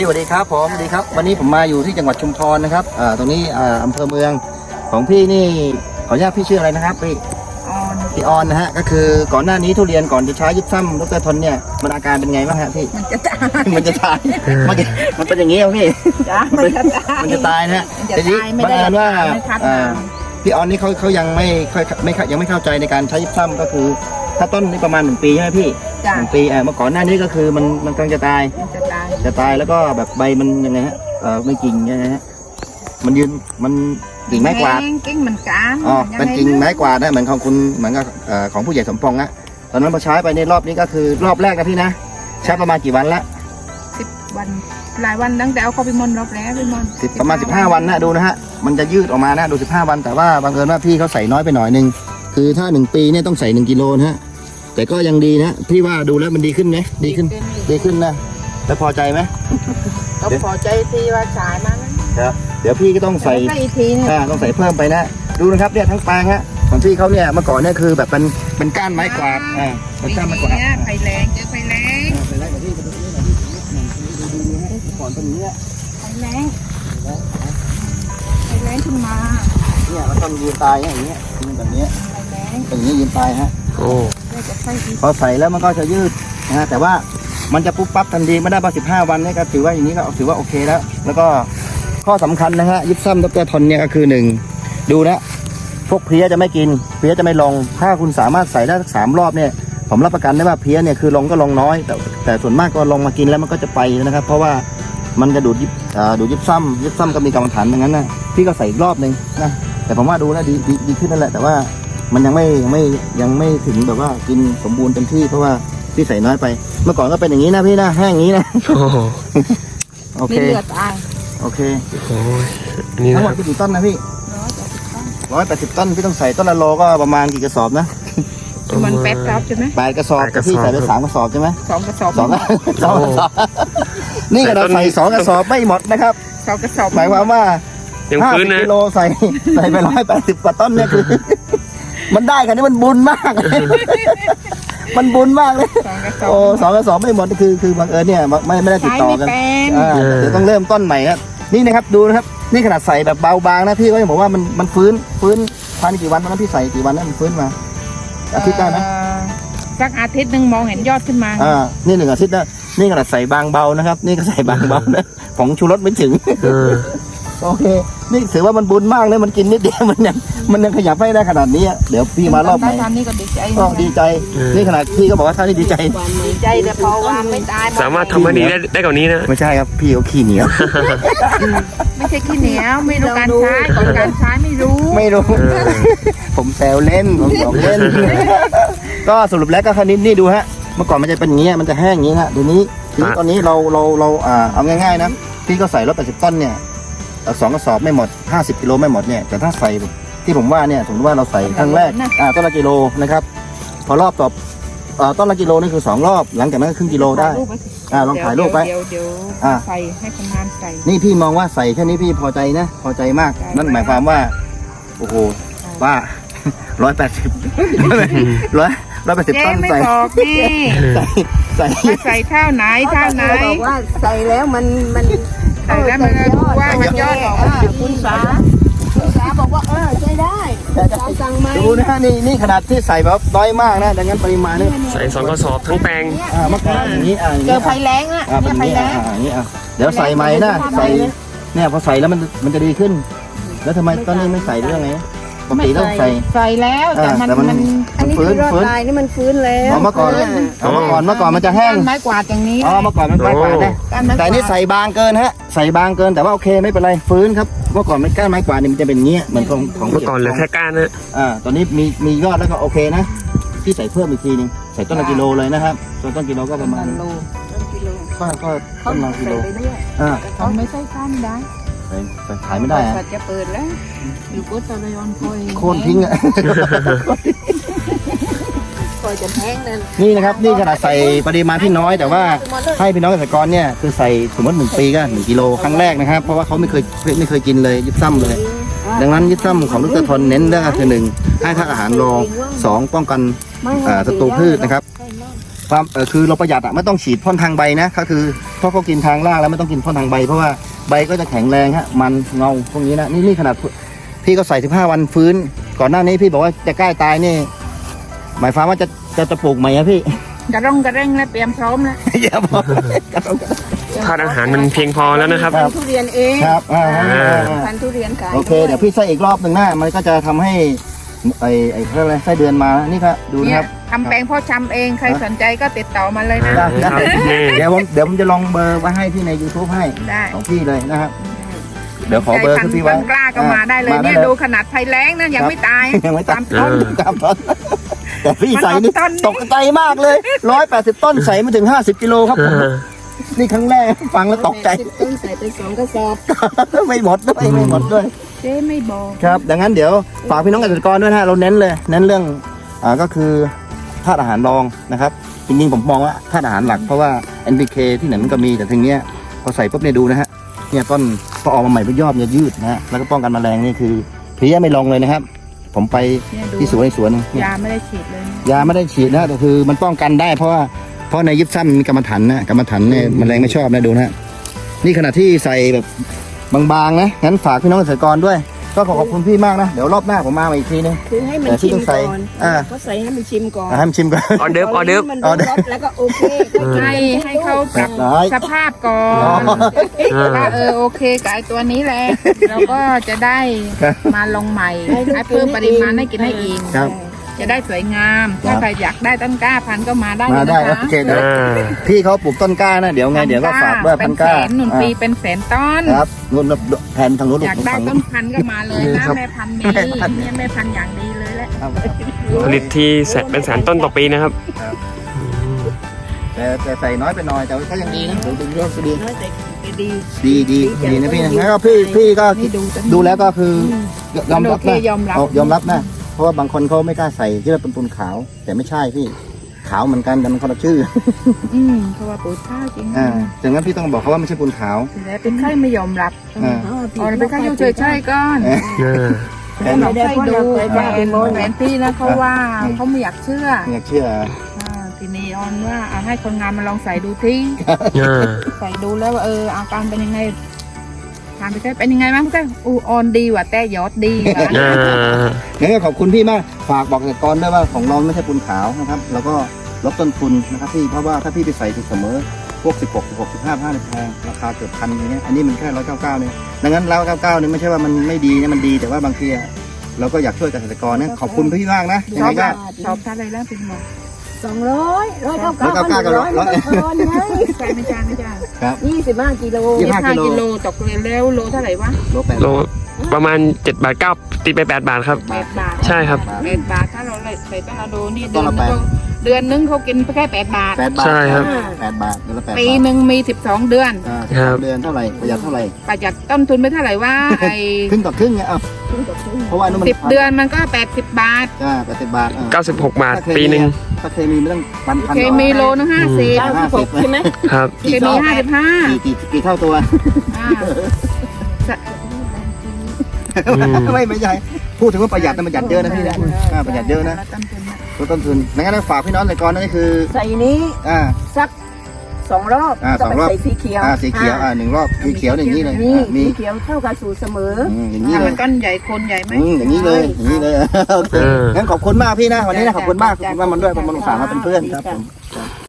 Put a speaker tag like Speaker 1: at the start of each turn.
Speaker 1: สวัสดีครับผมสวัสดีครับวันนี้ผมมาอยู่ที่จังหวัดชุมพรนะครับตรงนี้อำเภอเมืองของพี่นี่ขออนุญาตพี่ชื่ออะไรนะครับพี่ออนนะฮะก็คือก่อนหน้านี้ทุเรียนก่อนจะใช้ยิปซัมดรทนเนี่ยมันอาการเป็นไงบ้างฮะพี่มันจะตายมันเป็นอย่างนี้ครับพี่มันจะตายนะฮะแต่นี้บังเอิญว่าพี่ออนนี่เขายังไม่เข้าใจในการใช้ยิปซัมก็คือถ้าต้นนี่ประมาณ1 ปีใช่ไหมพี่1 ปีเมื่อก่อนหน้านี้ก็คือมันกำลังจะตายแล้วก็แบบใบมันยังไงฮะไม่กิ่งยังไงฮะมันยืนมันกิ่งไม้กวาด
Speaker 2: กิ่งมันกลาง
Speaker 1: เป็นกิ่งไม้กวาดนะเหมือนของคุณเหมือนกับของผู้ใหญ่สมปองนะตอนนั้นพอใช้ไปในรอบนี้ก็คือรอบแรกนะพี่นะใช้ประมาณกี่วันละ
Speaker 2: 10 วันหลายวันตั้งแต่เอาเข้าไปมอนรอบแล้วไปมอน
Speaker 1: ประมาณ15 วันนะดูนะฮะมันจะยืดออกมานะดู15 วันแต่ว่าบังเอิญว่าพี่เขาใส่น้อยไปหน่อยนึงคือถ้า1 ปีเนี่ยต้องใส่1 กิโลนะฮะแต่ก็ยังดีนะพี่ว่าดูแล้วมันดีขึ้นไหมดีขึ้นนะแล้วพอใจไหม
Speaker 2: ก็พอใจที่ว่าฉายมา
Speaker 1: ครับเดี๋ยวพี่ก็ต้องใส่ต้องใส่เพิ่มไปนะดูนะครับเนี่ยทั้งแปลงฮะของพี่เขาเนี่ยเมื่อก่อนเนี่ยคือแบบเป็นก้านไม้กวาดเป็นก้านไม้กวาด
Speaker 2: ไฟแรงเจอไฟแรง
Speaker 1: กับพี่ดูก่อนตรงนี้
Speaker 2: ไฟแรงขึ้นมา
Speaker 1: เนี่ยมันต้องยืนตายอย่างเงี้ยแบบนี้อย่างนี้ยืนตายฮะพอใส่แล้วมันก็จะยืดนะฮะแต่ว่ามันจะปุ๊บปั๊บทันทีไม่ได้15 วันนี่ก็ถือว่าอย่างนี้ก็ถือว่าโอเคแล้วก็ข้อสำคัญนะฮะยิปซัมดรทนเนี่ยก็คือ1ดูนะพวกเพี้ยจะไม่กินเพี้ยจะไม่ลงถ้าคุณสามารถใส่ได้3 รอบเนี่ยผมรับประกันได้ว่าเพี้ยเนี่ยคือลงก็ลงน้อยแต่ส่วนมากก็ลงมากินแล้วมันก็จะไปนะครับเพราะว่ามันจะดูดยิปซัมก็มีกรรมฐานอย่างนั้นนะพี่ก็ใส่อีกรอบนึงนะแต่ผมว่าดูแล้วดีขึ้นนั่นแหละแต่ว่ามันยังไม่ถึงแบบว่ากินสมบูรณ์เต็มที่เพราะว่าพี่ใส่น้อยไปเมื่อก่อนก็เป็นอย่างนี้นะพี่นะแห้งอย่างนี้นะโอเคโอเคทั้งหมดกี่ต้นนะพี่180 ต้นพี่ต้องใส่ต้นละโลก็ประมาณกี่กระสอบนะ
Speaker 2: มัน8 กระสอบใช่ไหม
Speaker 1: 8 กระสอบพี่ใส่ไป3 กระสอบใช่ไหม
Speaker 2: 2 กระสอบ
Speaker 1: 2 กระสอบนี่ก็เราใส่2 กระสอบไม่หมดนะครับ
Speaker 2: 2 กระสอบ
Speaker 1: หมายความว่า50 กิโลใส่ไป180 กว่าต้นเนี่ยคือมันได้กันนี่มันบุญมากมันบุญมากเลยโอ้2 กระสอบไม่หมดคือบังเอิญเนี่ยไม่ได้ติดต่อกันเดี๋ยวต้องเริ่มต้นใหม่ครับนี่นะครับดูนะครับนี่ขนาดใส่แบบเบาบางนะพี่ก็ยังบอกว่ามันฟื้นภายในกี่วันนะพี่ใส่กี่วันนะมันฟื้นมาอาทิตย์ได้ไหม
Speaker 2: สักอาทิตย์นึงมองเห็นยอดขึ้นมา
Speaker 1: นี่1 อาทิตย์นะนี่ขนาดใส่บางเบานะครับนี่ก็ใส่บางเบานะผงชูรสไม่ถึงโอเคนี่ถือว่ามันบุญมากเลยมันกินนิดเดียวมันยังขยับให้ได้ขนาดนี้เดี๋ยวพี่มารอบใหม่
Speaker 2: นี่ก็ดีใจ
Speaker 1: นี่ขนาดพี่ก็บอกว่าท่านนี่ดีใจ
Speaker 2: แต่พอว่าไม่ตาย
Speaker 3: สามารถทำให้ดีได้กว่านี้นะ
Speaker 1: ไม่ใช่ครับพี่เขาขี้เหนียว
Speaker 2: ไม่ใช่ขี้เหนียวไม่รู้การใช้ก่อนการใช้ไม่รู้
Speaker 1: ผมแซวเล่นผมหยอกเล่นก็สรุปแล้วก็คันนี้นี่ดูฮะเมื่อก่อนมันจะเป็นอย่างนี้มันจะแห้งอย่างนี้ฮะเดี๋ยวนี้ตอนนี้เราเอาง่ายๆนะพี่ก็ใส่180 ต้นเนี่ย2 กระสอบไม่หมด50 กิโลไม่หมดเนี่ยแต่ถ้าใส่ที่ผมว่าเนี่ยสมมติว่าเราใส่ครั้งแรกต้นละกิโลนะครับพอรอบต่อต้นละกิโลนี่คือ2 รอบหลังจากนั้นครึ่งกิโลได้ลองถ่ายรูปไป
Speaker 2: เดี๋ยวใส่ให้คนงานใส่
Speaker 1: นี่พี่มองว่าใส่แค่นี้พี่พอใจนะพอใจมากนั่นหมายความว่าโอ้โหว่า180 ต้นใส่
Speaker 2: ใส่เท่าไหน
Speaker 4: บอกว่าใส่แล้วมัน
Speaker 2: ใส่แล้วมันรู้ว่ามันยอดออก
Speaker 4: คุณสาบอกว่าใช้ได้สั่งมา
Speaker 1: ดูนะฮะนี่ขนาดที่ใส่แบบน้อยมากนะดังนั้นปริมาณนี่
Speaker 3: ใส่2 กระสอบทั้งแปลง
Speaker 1: เมื่อก่อนอย่างนี้
Speaker 2: เจอไฟแรงเนี่ยไฟแรง
Speaker 1: อย่างนี้เดี๋ยวใส่ใหม่นะใส่เนี่ยพอใส่แล้วมันจะดีขึ้นแล้วทำไมตอนนี้ไม่ใส่เรื่องไงปกติต้องใส่
Speaker 2: แล้วแต่มัน
Speaker 4: อันนี้คือรอดลายนี่มันฟื้นแล้ว
Speaker 1: เมื่อก่อนมันจะแห้ง
Speaker 2: ไม้กวาดอย่างนี้
Speaker 1: เมื่อก่อนมันไม้กวาดนะแต่นี่ใส่บางเกินฮะใส่บางเกินแต่ว่าโอเคไม่เป็นไรฟื้นครับเมื่อก่อนไม่ก้านไม้กวาดนี่มันจะเป็นเงี้ยเหมือนของ
Speaker 3: เมื่อก่อนเหลือแค่ก้านนะ
Speaker 1: ตอนนี้มียอดแล้วก็โอเคนะพี่ใส่เพิ่มอีกทีนึงใส่ต้นละกิโลเลยนะครับต้นกิโลก็ประมาณก็ต้นละกิโล
Speaker 2: เขาไม่ใช่ก้านได้
Speaker 1: ขายไม่ได้
Speaker 2: จะเปิดแล้วอยู่กุศลยน
Speaker 1: โค่นทิ้งอ่ะ
Speaker 4: คอยจะแห้งนั่น
Speaker 1: นี่นะครับนี่ขนาดใส่ปริมาณที่น้อยแต่ว่าให้พี่น้องเกษตรกรเนี่ยคือใส่สมมติ1 ปีก็1 กิโลครั้งแรกนะครับเพราะว่าเขาไม่เคยกินเลยยิบซ้ำเลยดังนั้นยิบซ้ำของดรทนเน้นเรื่องคือ1ให้ธาตุอาหารรอง2ป้องกันศัตรูพืชนะครับความคือเราประหยัดไม่ต้องฉีดพ่นทางใบนะก็คือเพราะเขากินทางรากแล้วไม่ต้องกินพ่นทางใบเพราะว่าใบก็จะแข็งแรงฮะมันเงาพวกนี้นะนี่ขนาดพี่ก็ใส่15 วันฟื้นก่อนหน้านี้พี่บอกว่าจะใกล้ตายนี่หมายความว่าจะปลูกใหม่อะพี่
Speaker 2: กระร่องกระเร่งแล้วเตรียมพร้อมแล้ว
Speaker 1: อย่าบอก
Speaker 3: ธาตุอาหารมันเพียงพอแล้วนะครับ
Speaker 4: พันธุ์ทุเรียนเอง
Speaker 1: ครับ
Speaker 4: พันธุ์ทุเรียนขาย
Speaker 1: โอเคเดี๋ยวพี่ใส่อีกรอบหนึ่งนะมันก็จะทำให้ไอ้เขาเรียกอะไรไส้เดือนมานี่ครับดูนะ
Speaker 2: เนี่
Speaker 1: ค
Speaker 2: ย
Speaker 1: รับ
Speaker 2: ทำแปลงพ่อชำเองใครสนใจก็ติดต่อมาเลยนะ
Speaker 1: ได้
Speaker 3: นี่
Speaker 1: เดี๋ยวผมจะลองเบอร์ไว้ให้ที่ใน YouTube ให้
Speaker 2: ได้
Speaker 1: ของพี่เลยนะครับเดี๋ยวขอเบอร์
Speaker 2: ใจ
Speaker 1: คือ
Speaker 2: พัน
Speaker 1: พี่
Speaker 2: ธุ์
Speaker 1: ไว้
Speaker 2: ต้นกล้าก็มาได้เลยเนี่ยดูขนาดไฟแรงนะยังไม่ตาย
Speaker 1: ยังไม่ตาม
Speaker 2: ต้น
Speaker 1: ตามต้นแต่พี่ใส่นี่
Speaker 2: มันออกต้นนี่
Speaker 1: ตกใจมากเลย180 ต้นใส่ไม่ถึง50 กิโลครับผมนี่ครั้งแรกฟังแล้วตกใจ
Speaker 4: 10 ต้นใส่ไป2 กระสอบ
Speaker 1: ไม่หมดด้วยไม่หมดด้วย
Speaker 2: เจ๊ไม่บอก
Speaker 1: ครับดังนั้นเดี๋ยวฝากพี่น้องเกษตรกรด้วยนะฮะเราเน้นเรื่องก็คือธาตุอาหารรองนะครับจริงๆผมมองว่าธาตุอาหารหลักเพราะว่า NPK ที่ไหนมันก็มีแต่ทีเนี้ยพอใส่ปุ๊บเนี่ยดูนะฮะเนี่ยต้นพอออกมาใหม่เป็นยอดเนี่ยยืดนะฮะแล้วก็ป้องกันแมลงนี่คือเพลี้ยไม่ลงเลยนะครับ ผมไป
Speaker 2: เนี่ยดู
Speaker 1: ที่สวนในสวนเนี่ย
Speaker 2: ยาไม่ได้ฉีดเลย
Speaker 1: ยาไม่ได้ฉีดนะแต่คือมันป้องกันได้เพราะในยิบซ้ำมีกรรมฐานนะกรรมฐานเนี่ยแมลงไม่ชอบนะดูนะฮะนี่ขณะที่ใส่แบบบางๆนะงั้นฝากพี่น้องเกษตรกรด้วย ก็ขอบคุณพี่มากนะเดี๋ยวรอบหน้าผมมาอีกทีนึง
Speaker 4: คือให้มัน
Speaker 1: แต่ที่
Speaker 4: ชิ
Speaker 1: ต้
Speaker 4: ม
Speaker 1: องใส่
Speaker 4: ก่อน
Speaker 1: ก็
Speaker 4: ใส่ให้มันชิมก่อน
Speaker 1: ให้มันชิมก่อน
Speaker 3: ออเดิร์ฟออเดิร์ฟ
Speaker 4: มันรสแล้วก็โอเค
Speaker 2: ให้เขาปรับ
Speaker 1: ได้
Speaker 2: สภาพก่อน ว่าโอเคกับไอตัวนี้แหละเราก็จะได้มาลงใหม่ให้เพิ่มปริมาณให้กินให้อีก
Speaker 1: ครับ
Speaker 2: จะได้สวยงาม ถ้าใครอยากได้ต้นกล้าพันธุ์ก็มาได้
Speaker 1: มา
Speaker 2: เลย
Speaker 1: ได้
Speaker 2: นะ
Speaker 1: โอ
Speaker 2: คะ
Speaker 1: เคเดี๋ยว
Speaker 3: อ่า
Speaker 1: พี่เขาปลูกต้นกล้านะเดี๋ยวไงเดี๋ยวก็ฝากด้วย
Speaker 2: เป็
Speaker 1: พั
Speaker 2: น
Speaker 1: น
Speaker 2: แส
Speaker 1: กล้าน
Speaker 2: หนุนปีเป็นแสนต้น
Speaker 1: ครับนู่นแผนทางนู้น
Speaker 2: อยากได้
Speaker 1: ฝั่ง
Speaker 2: ต้
Speaker 1: นู้
Speaker 2: น
Speaker 1: น
Speaker 2: พันธุ์ก็มาเลยนะครับ แม่พันธุ์มีเนี่ยแม่พันธุ์อย่างดีเลยแหละ
Speaker 1: ครับ
Speaker 3: ผลิตที่เป็นแสนต้นต่อปีนะครับ
Speaker 1: แต่ใส่น้อยไปหน่อยแต่ก็ยังดีนะดูยอดก็ดี
Speaker 4: น้อยแต่ดี
Speaker 1: ดีนะพี่นะแล้วก็พี่ก็
Speaker 2: นี่ดู
Speaker 1: ดูแล้วก็คือยอมรับ
Speaker 2: โอเค
Speaker 1: นะ
Speaker 2: ยอมรับ
Speaker 1: ยอมรับนะเพราะว่าบางคนเขาไม่กล้าใส่ที่เราเป็นปูนขาว แต่ไม่ใช่พี่ขาวเหมือนกันแต่มันคนละชื่อ
Speaker 2: เพราะว่าปุ๋ยข้าวจริง
Speaker 1: ดังนั้นพี่ต้องบอกเขาว่าไม่ใช่ปูนขาว
Speaker 2: แต่เป็นไข้ไม่ยอมรับ
Speaker 1: อ่า
Speaker 2: อ๋อเป็นไข้อยู่เฉยๆก่อน
Speaker 1: แผน
Speaker 2: เราให้ดูแผนที่แล้วเขาว่าเขาไม่อยากเชื่อ
Speaker 1: ไม่อยากเชื่อ
Speaker 2: ทีนี้ออนว่าเอาให้คนงานมาลองใส่ดูที่ใส่ดูแล้วว่าอาการเป็นยังไงถามไปใช่เป็นยังไงบ้างพี่ออนดีว่ะแต่ยอดดีว่ะ
Speaker 1: งั้นก็ขอบคุณพี่มากฝากบอกเกษตรกรด้วยว่าของเราไม่ใช่ปูนขาวนะครับแล้วก็ลดต้นทุนนะครับพี่เพราะว่าถ้าพี่ไปใส่ถูกเสมอพวก16 15เนี่ยแพงราคาเกือบ1,000อย่างเงี้ยอันนี้มันแค่199เนี่ยดังนั้น199เนี่ยไม่ใช่ว่ามันไม่ดีนะมันดีแต่ว่าบางทีเราก็อยากช่วยเกษตรกรนะขอบคุณพี่มากนะยังไงก็
Speaker 2: ชอบท่าอะไรแล้วเป็นหมอ
Speaker 4: 200 199 ไง
Speaker 2: ใช่ไม่จ้าไม่จ้า
Speaker 1: ครับ
Speaker 4: 25 กิโล
Speaker 1: 25
Speaker 2: กิโลตกแล้วโลเท่าไหร่วะ
Speaker 1: โลแปด
Speaker 3: โลประมาณ7 บาท 9ตีไป8 บาทครับ
Speaker 2: 8 บาท
Speaker 3: ใช่ครับ
Speaker 2: 8 บาทถ้าเราใส่ต้นอะโดนี่เดือนนึงเขากินแค่8 บาท
Speaker 1: 8 บาท
Speaker 3: ใช่ครับ
Speaker 1: 8 บาทเดือนละ8 บาท
Speaker 2: ปีหนึ่งมี12 เดือน
Speaker 3: ครับ
Speaker 1: เดือนเท่าไหร่ประหยัดเท่าไหร่
Speaker 2: ประหยัดต้นทุนไปเท่าไหร่ว่าไอ้
Speaker 1: ครึ่งต่อครึ่งไงเพราะว่านู่นมัน
Speaker 2: 10 เดือนมันก็80 บาท
Speaker 1: 80 บาท
Speaker 3: 96 บาท ปีหนึ่ง
Speaker 1: ถ้าเคมีไม่ต้องพัน
Speaker 2: เคมีโลนึง50
Speaker 4: 96 ใช่ไหม
Speaker 3: ครับ
Speaker 2: เคมี55
Speaker 1: กี่เท่าตัว ไม่ใช่พูดถึงว่าประหยัดนะประหยัดเยอะนะพี่นะประหยัดเยอะนะลดต้นทุนงั้นฝากพี่น้องเกษตรกรนั่นก็คือ
Speaker 4: ใส่นี้ สัก2 รอบ
Speaker 1: 2 รอบ
Speaker 4: ใส่สีเขียว
Speaker 1: สีเขียว1 รอบสีเขียวอย่างนี้เลย
Speaker 4: นี่
Speaker 1: มี
Speaker 4: สีเขียวเท่ากับสูตรเสมอ
Speaker 1: อย่างนี้เล
Speaker 2: มั
Speaker 1: ย
Speaker 2: นก้อนใหญ่คนใหญ่ไหม
Speaker 1: อย่างนี้เลยโอเคงั้นขอบคุณมากพี่นะวันนี้นะขอบคุณมากมันด้วยมันฝากมาเป็นเพื่อนครับผม